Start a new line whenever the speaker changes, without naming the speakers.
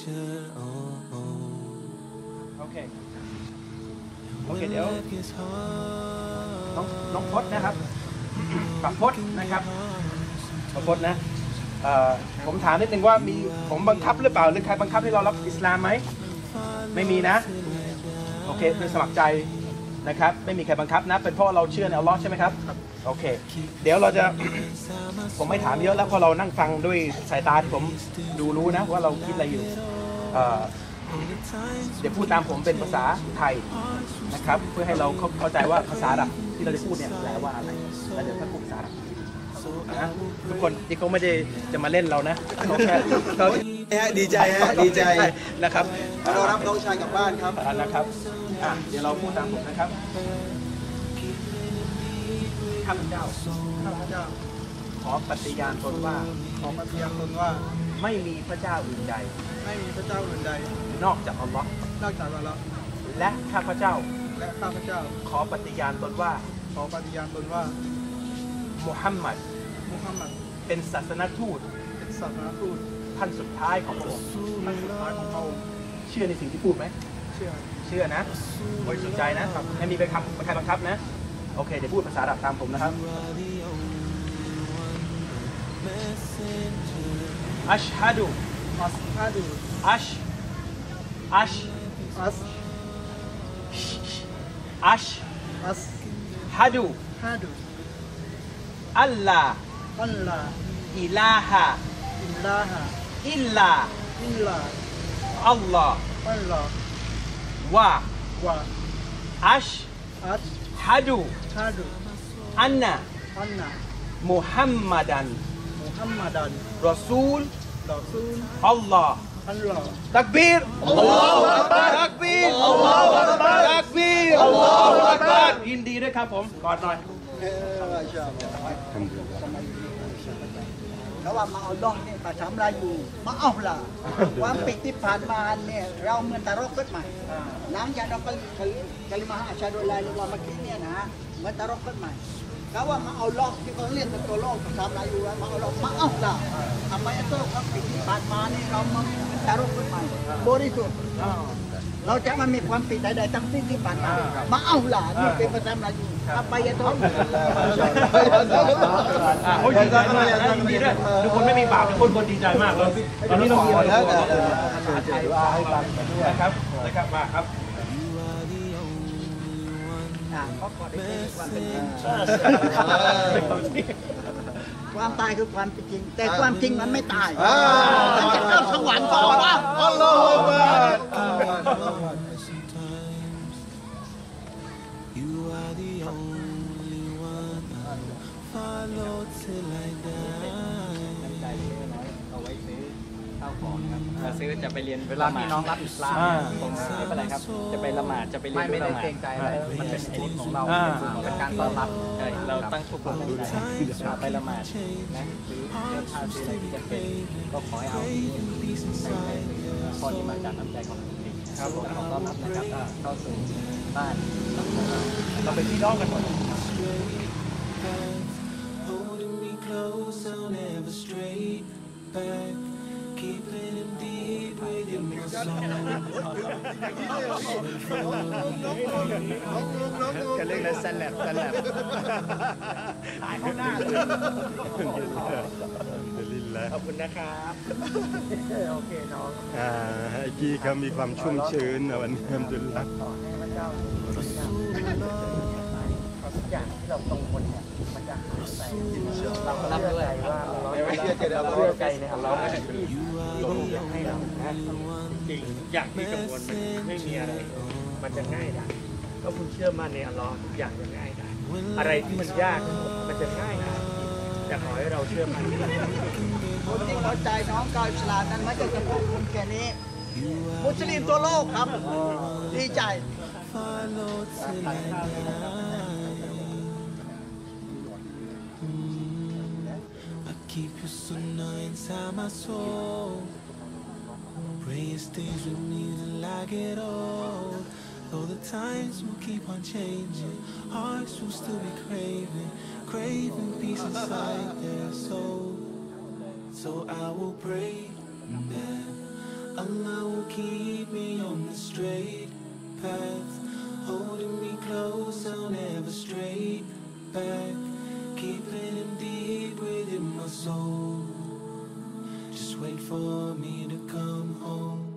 โอเคเดี๋ยวน้องพจน์นะครับปักพจน์นะครับปักพจน์นะผมถามนิดนึงว่ามีผมบังคับหรือเปล่าหรือใครบังคับให้เรารับอิสลามไหมไม่มีนะโอเคคือสมัครใจนะครับไม่มีใครบังคับนะเป็นเพราะเราเชื่อในอัลลอฮ์ใช่ไหมครับโอเคเดี๋ยวเราจะผมไม่ถามเยอะแล้วเพราะเรานั่งฟังด้วยสายตาที่ผมดูรู้นะว่าเราคิดอะไรอยู่เดี๋ยวพูดตามผมเป็นภาษาไทยนะครับเพื่อให้เราเข้าใจว่าภาษาอาหรับที่เราจะพูดเนี่ยแปลว่าอะไรแล้วเดี๋ยวถ้าพูดภาษาอาหรับนะทุกคนที่เขาไม่ได้จะมาเล่นเรานะเขาแค่
ดีใจ
นะครับ
เรารับน้องชายกลับบ้านครับ
นะครับเดี๋ยวเราพูดตามผมนะครับข้าพเจ้าขอปฏิญาณตนว่าไม่มีพระเจ้าอื่นใดนอกจากอัลลอฮ์และข้าพเจ้าขอปฏิญาณตนว่ามุฮัมมัดเป็นศาสนทูตท่านสุดท้ายของพระองค์เชื่อในสิ่งที่พูดไหมเชื่อนะบริสุทธิ์ใจนะไม่มีใครบังคับนะโอเคเดี๋ยวพูดภาษาอาหรับตามผมนะครับอัชฮะดูอัชฮะดูอัลลาอิลาฮะอิลลาอัลลอฮ์ว่าอัชฮะดูอันนะมุฮัมมัดันรอซูลอัลลอฮ์ตักบีรอัลลอฮฺอักบัรตักบีรอัลลอฮฺอักบัรตักบีรอัลลอฮฺอักบัรยินดีด้วยครับผมกอดหน่อย
แล้วว่ามาเอาดองเนี่ยภาษาลาอยู่มาเอาล่ะความปิดที่ผ่านมาเนี่ยเราเหมือนตะรกขึ้นใหม่หลังจากเรากลิมาอาชาโดลายหรือว่าเมื่อกี้เนี่ยนะเหมือนตะรกขึ้นใหม่เขาว่ามาเอาล็อกที่เขาเรียกเป็นตัวล็อกภาษาลาอยู่มาเอาล็อกมาเอาล่ะทำไมตัวความปิดที่ผ่านมาเนี่ยเรามาตะรกขึ้นใหม่บริสุทธิ์เราจะมันมีความผิดใดๆทั้งสิ้นที่ผ่านมาเอาล่ะนี่เป็นภาษาลาอยู่เอาไปยันท้อง
โอ้ยดีใจมากยินดีด้วยทุกคนไม่มีบาปทุกคนดีใจมากเลยตอนนี้เรามีภาษาไทยว่าให้ฟังนะครับมาครับ
ความตายคือความจริงแต่ความจริงมันไม่ตายมันจะเข้าสวรรค์ก่อนว่า
อัลลอฮฺอักบัร
ซื้อจะไปเรียนเวลาพี่น้องรับอิสลามผมไม่เป็นไรครับจะไปละหมาดจะไปเรียนไม่ได้เกรงใจอะไรมันเป็นสิทธิ์ของเราเป็นการต้อนรับเราตั้งทุกคนไปละหมาดนะหรือเดินทางซื้ออะไรที่จะเป็นก็ขอให้เอาข้อที่มาจากน้ำใจของตัวเองครับผมขอต้อนรับนะครับเข้าสู่บ้าน
เราเป็นพี่น้องกันหมด
กันเรื่องนั้นแซนแลบ
หายเข้าหน้าเลย
ขอบคุณนะครับ
โอเคน้อง
กี้เขามีความชุ่มชื้นนะวันนี้อัลฮัมดุลิลละห์
ทุกอย่างที่เรากังวลเนี่ยมันจะหายไปเรารับด้วยว่าเราเชื่อใจในอัลลอฮ์ที่อยากให้เราจริงอย่างที่กังวลมันไม่มีอะไรมันจะง่ายได้ก็คุณเชื่อมั่นในอัลลอฮ์ทุกอย่างจะง่ายได้อะไรที่มันยากมันจะง่ายได้อยากขอให้เราเชื่อมั่น
คนที่เข้าใจน้องกาวอิสลามนั้นไม่ใช่เฉพาะคนแค่นี้มุสลิมทั่วโลกครับดีใจ
Keep your sunnah inside my soul. Pray it stays with me till I get old. Though the times will keep on changing, hearts will still be craving peace inside their soul. So I will pray that Allah will keep me on the straight path, holding me close, I'll never stray back, keeping him deep within my soul. Just wait for me to come home.